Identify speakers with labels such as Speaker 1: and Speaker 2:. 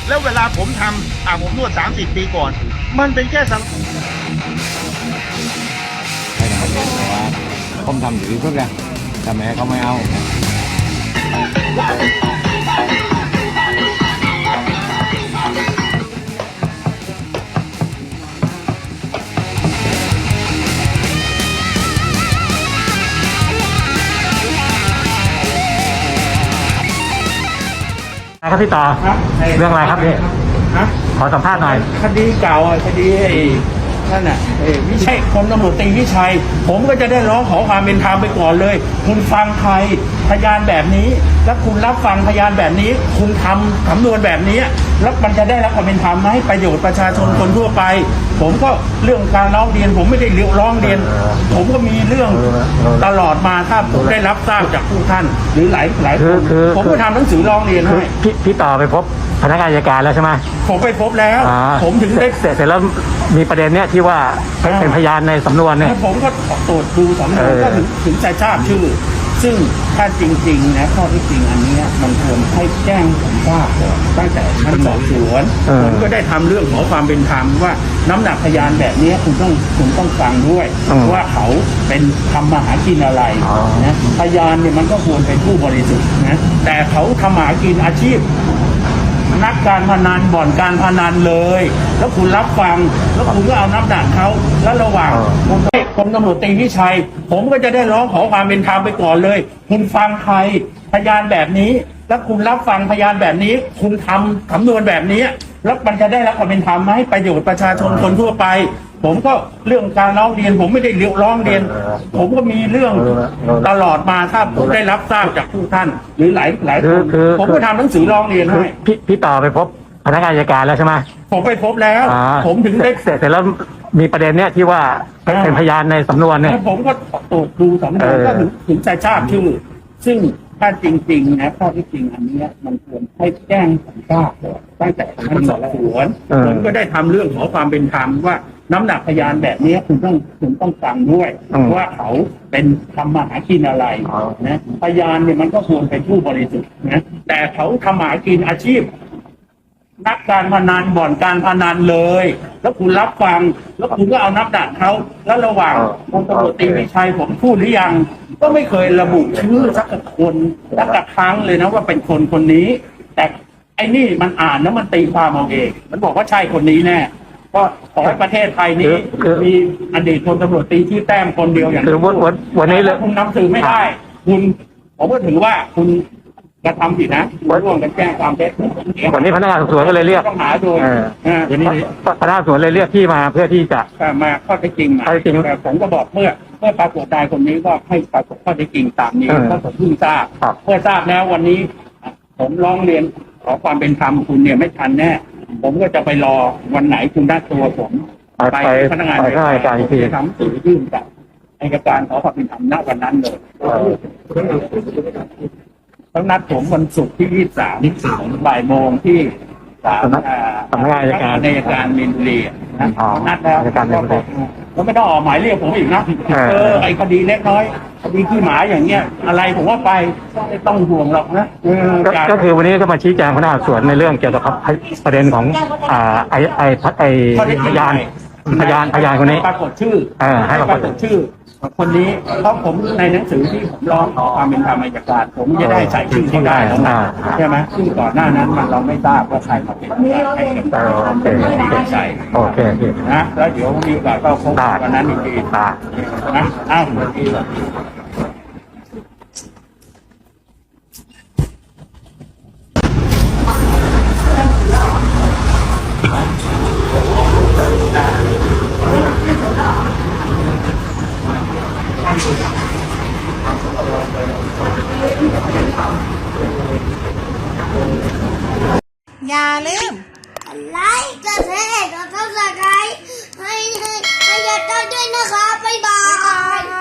Speaker 1: แล้วเวลาผมทำผมนวด30 ปีก่อนมันเป็นแค่สัง
Speaker 2: ให้ทำเองแต่ว่าผมทำอยู่ที่สุดเลยแต่แม่เขาไม่เอา
Speaker 3: ครับพี่ต่อเรื่องอะไรครับพี่ขอสัมภาษณ์หน่อย
Speaker 4: คดีเก่าคดีนั่นน่ะวิชัยพลตำรวจตรีวิชัยผมก็จะได้ร้องขอความเป็นธรรมไปก่อนเลยคุณฟังใครพยานแบบนี้แล้วคุณรับฟังพยานแบบนี้คุณทำสำนวนแบบนี้แล้วมันจะได้รับความเป็นธรรมไหมประโยชน์ประชาชนคนทั่วไปผมก็เรื่องการร้องเรียนผมไม่ได้ร้องเรียนผมก็มีเรื่องตลอดมาถ้าผมได้รับทราบจากผู้ท่านหรือหลายคนผมก็ทำหนังสือร้องเรียนให้
Speaker 3: พี่ต่อไปพบพนักงานอัยการแล้วใช่ไหม
Speaker 4: ผมไปพบแล้วผมถึงได้
Speaker 3: เสร็จแล้วมีประเด็นเนี้ยที่ว่าเป็นพยานในสำนวนเนี่ย
Speaker 4: ผมก็ตรวจดูสำนวนก็ถึงจะทราบชื่อซึ่งถ้าจริงๆนะข้อที่จริงอันนี้มันควรให้แจ้งผมทราบตั้งแต่ชั้นสอบสวนผมก็ได้ทำเรื่องขอความเป็นธรรมว่าน้ำหนักพยานแบบนี้คุณต้องฟังด้วยว่าเขาเป็นทำมาหากินอะไรนะพยานเนี่ยมันก็ควรเป็นผู้บริสุทธิ์นะแต่เขาทำมาหากินอาชีพนักการพนันบ่อนการพนันเลยแล้วคุณรับฟังแล้วคุณก็เอาน้ำหนักเขาแล้วระหว่างผมตำรวจตรีวิชัยผมก็จะได้ร้องขอความเป็นธรรมไปก่อนเลยคุณฟังใครพยานแบบนี้แล้วคุณรับฟังพยานแบบนี้คุณทำสำนวนแบบนี้แล้วมันจะได้รับความเป็นธรรมไหมประโยชน์ประชาชนคนทั่วไปผมก็เรื่องการร้องเรียนผมไม่ได้ร้องเรียนผมก็มีเรื่องตลอดมาถ้าผมได้รับทราบจากผู้ท่านหรือหลายคนผมก็ทำหนังสือร้องเรียนให้
Speaker 3: พี่ต่อไปพบพนักงานอัยการแล้วใช่ไหม
Speaker 4: ผมไปพบแล้วผมถึงได้
Speaker 3: เสร็จแล้วมีประเด็นเนี้ยที่ว่าเป็นพยานในสำนวนเนี่ย
Speaker 4: ผมก็ตรวจดูสำนวนก็ถึงจะทราบชื่อซึ่งถ้าจริงๆนะข้อที่จริงอันนี้มันควรให้แจ้งผมทราบตั้งแต่ชั้นสอบสวนผมก็ได้ทำเรื่องขอความเป็นธรรมว่าน้ำหนักพยานแบบนี้คุณต้องฟังด้วยว่าเขาเป็นทำมาหากินอะไรนะพยานเนี่ยมันก็ควรเป็นผู้บริสุทธิ์นะแต่เขาทำมาหากินอาชีพนักการพนันบ่อนการพนันเลยแล้วคุณรับฟังแล้วคุณก็เอาน้ำหนักเขาแล้วระหว่างพลตำรวจตรีวิชัยผมพูดหรือยังก็ไม่เคยระบุชื่อสักคนสักครั้งเลยนะว่าเป็นคนนี้แต่ไอ้นี่มันอ่านแล้วมันตีความเอาเองมันบอกว่าใช่คนนี้แน่ก็ขอให้ประเทศไทยนี้มีอดีตพลตำรวจตรีที่แต้มคนเดียวอย่างนี้
Speaker 3: วันนี้เลย
Speaker 4: คุณนำสื่อไม่ได้คุณผมก็ถือว่าคุณกระทำผิดนะร่วมกันแจ้งความเท็จ
Speaker 3: วันนี้พนักงานสอบสวนก็เลยเรียก
Speaker 4: ต้องหาโดย
Speaker 3: วันนี้พนักงานสอบสวนเลยเรียกที่มาเพื่อที่จะ
Speaker 4: มาข้อเท็จจริงมาแต่ผมก็บอกเมื่อปรากฏได้คนนี้ก็ให้ปรากฏข้อเท็จจริงตามนี้เพราะผมเพิ่งทราบเมื่อทราบแล้ววันนี้ผมร้องเรียนขอความเป็นธรรมคุณเนี่ยไม่ทันแน่ผมก็จะไปรอวันไหนคุณได้ตัวผม
Speaker 3: ไปพนักงานอัยการที่
Speaker 4: ทำสื่อยื่นกับอัยการขอความเป็นธรรมณวันนั้นเลยต้องนัดผมวันศุกร์ที่23บ่ายโมงที่
Speaker 3: สำนักงานอัย
Speaker 4: การมีนบุรีนะนัดแล้วก็ไม่ต้องออกหมายเรียกผมอีกนะไอ้คดีเล็กน้อยคดีขี้หมาอย่างเงี้ยอะไรผมว่าไปไม่ต้องห่วงหรอกนะ
Speaker 3: ก็คือวันนี้ก็มาชี้แจงพนักงานสอบสวนในเรื่องเกี่ยวกับประเด็นของพยานคนนี้
Speaker 4: ปรากฏชื่อให้ปรากฏชื่อคนนี้เพราะผมในหนังสือที่ผมร้องขอความเป็นธรรมอัยการผมจะได้ใส่ชื่อเขาได้แล้วนะใช่ไหมซึ่งก่อนหน้านั้นเราไม่ทราบว่าใครมาเป็นให้เป็นใคร
Speaker 3: โอเค
Speaker 4: นะแล้วเดี๋ยวมีโอกาสก็พบวันนั้นอีกทีนะอ้าว
Speaker 5: อย่าลืม
Speaker 6: ไลค์กดแชร์กดซับสไครต์ให้ยายต้อยด้วยนะคะบ๊ายบาย